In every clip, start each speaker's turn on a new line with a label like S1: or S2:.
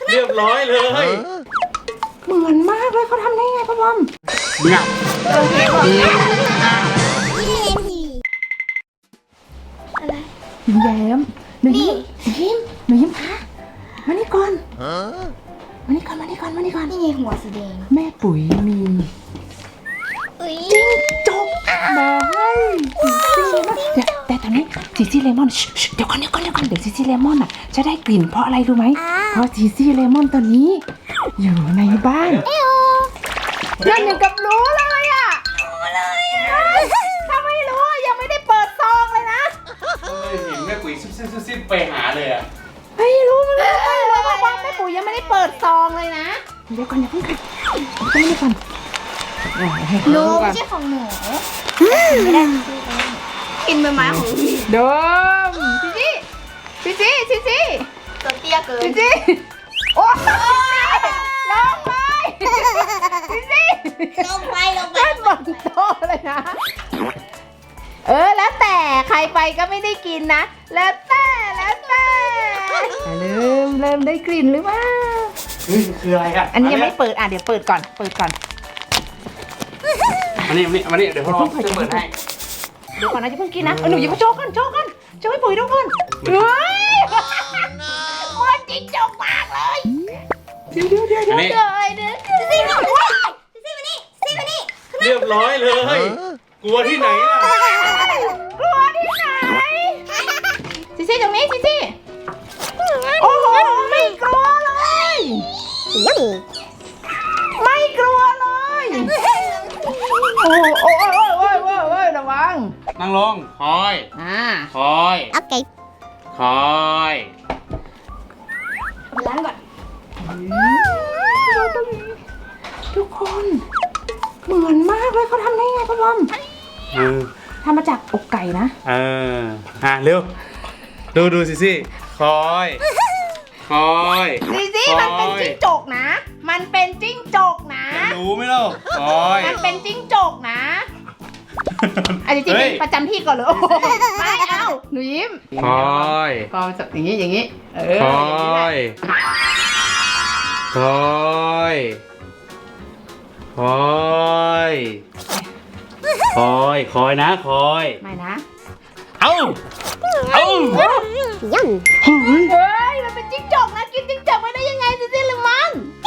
S1: เรียบร้อยเลย
S2: เหมือนมากเลยเขาทำได้ไงพ่อบอม
S1: งับ
S3: อะไร
S2: หนูแย้มหนูยิ้มหนูยิ้มคะมานี่ก่อนมานี่ก่อนมานี่ก่อนมานี่ก่อน
S3: นี่ไงหัวสีแดง
S2: แม่ปุ๋ยมี
S3: อุ้ย
S2: จบมาให้แต่ตอนนี้ซีซี่เลมอนเดี๋ยวก่อนเดี๋ยวซีซี่เลมอนอ่ะจะได้กลิ่นเพราะอะไรรู้ไหมเพราะซีซี่เลมอนตัวนี้อยู่ในบ้านเพื่อนอย่างกับรู้เลยอ่ะถ้าไม่รู้ยังไม่ได้เปิดซองเลยนะ
S1: เห็นแม่ปุ๋ยซิบไปหาเลยอ่ะ
S2: ไม่รู้เลยว่าแม่ปุ๋ยยังไม่ได้เปิดซองเลยนะเดี๋ยวก่อนอย่าเพิ่งกันไม่ได้ก่อน
S3: หนูไม่ใช่ของหนูไม่ได้กินใบไม้ของพี่
S2: ดมจีจี้
S3: ตัวเตี้ยเกิน
S2: จีโอ้ลงไปจี
S3: ลงไป
S2: เล่นบนโต๊ะเลยนะแล้วแต่ใครไปก็ไม่ได้กินนะแล้วแต่เริ่มได้กลิ่นหรือเปล่า
S1: เฮ้ยคืออะไรอ่ะ
S2: อันนี้ยังไม่เปิดเดี๋ยวเปิดก่อน
S1: อันนี้เดี๋ยวพ่อจะเปิดให้
S2: เดี๋ยวก่อนนะจะเพิ่งกินนะหนูอย่ามาโชว์ก่อนโชว์ให้ปุ๋ยดูก่อนเฮ้ยมันจริงจกมากเลยเดี๋ยว
S1: อันนี้
S3: ซีมานี่
S1: เรียบร้อยเลยกลัวที่ไหนล่ะ
S2: กลัวที่ไหนซีตรงนี้ซีโอ้โหไม่กลัวเลยไม่กลัวเลยโอ้ยระวัง
S1: นั่งลงคอย
S3: โอเค
S1: คอย
S3: ล้างก่อน
S2: ทุกคนเหมือนมากเลยเขาทำได้ไงพ่อบอมทำมาจากอกไก่นะ
S1: เร็วดูสิคอย
S2: ซีมันเป็นจิ้งจกนะมันเป็นจิ้งจกนะ
S1: รู้ไหมล่ะคอย
S2: มันเป็นจิ้งจกนะจริงๆประจำที่ก่อนเลยไม่เอาหนูยิ้ม
S1: คอย
S2: ก็จับอย่างนี้
S1: คอยนะคอย
S2: ไม่นะ
S1: เอ้า
S2: เฮ้ยมันเป็นจิ้งจกนะกินจิ้งจกไปได้ยังไงซีหรือมัน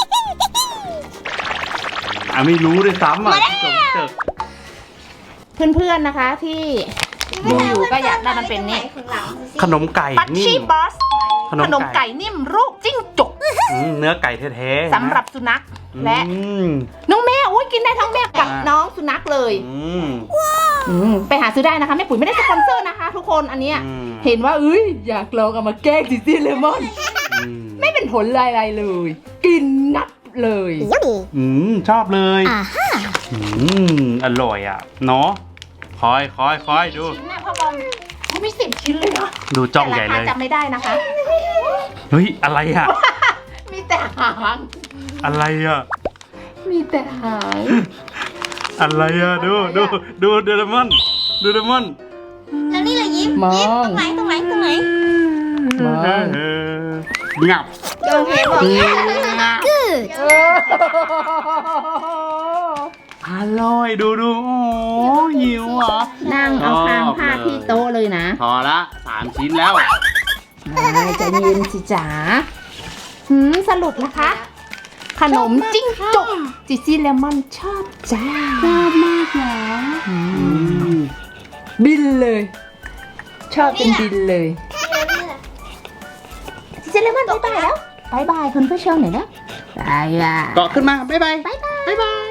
S1: ไม่รู้ด้วยซ้ำจบ
S2: เพื่อนๆนะคะที่ดูอยู่ก็อยากได้มันเป็นนี่
S1: ขนมไก่
S2: ปัช
S1: นิ่
S2: ชี่
S1: ม
S2: บอสขนมไก่นิ่มรูปจิ้งจก
S1: เนื้อไก่แท้ๆ
S2: สำหรับสุนัขและน้องแมวกินได้ทั้งแมวกับน้องสุนัขเลยไปหาซื้อได้นะคะแม่ปุ๋ยไม่ได้สปอนเซอร์นะคะ ทุกคนอันเนี้ยเห็นว่าอยากลองเอามาแกล้งซีซี่เลมอนไม่เป็นผลอะไรเลย กินนับเลย
S1: ชอบเลยอร่อยอ่ะเนาะคอยดู
S2: ชิ้นน่ะพ่อบอมมี10 ชิ้นเลยเนาะ
S1: ดูจ้องใหญ่เลย
S2: จำไม่ได้นะคะ
S1: เฮ้ยอะไรอ่ะ
S2: มีแต่หาง
S1: อะไรอ่ะ
S2: มีแต่หาง
S1: อะไรอ่ะดูเดรมอน
S3: แล้วนี่เลยยิ้มตรงไหน
S1: งับ
S3: โอเคบอก
S1: อร่อยดูโอ้หิวเหรอ
S2: นั่งเอาคางพาดที่โต๊ะเลยนะ
S1: พอละ3 ชิ้นแล้ว
S2: ใจเย็นสิจ๋าสรุปนะคะ ขนมจิ้งจกซีซี่เลมอนชอบจ้าชอบมากเหรอบินเลย ชอบเป็นบินเลยซีซี่เลมอนบ๊ายบายแล้วบ๊ายบายคุณผู้ชมหน่อยนะบ๊ายบาย
S1: เกาะขึ้นมาบ๊ายบาย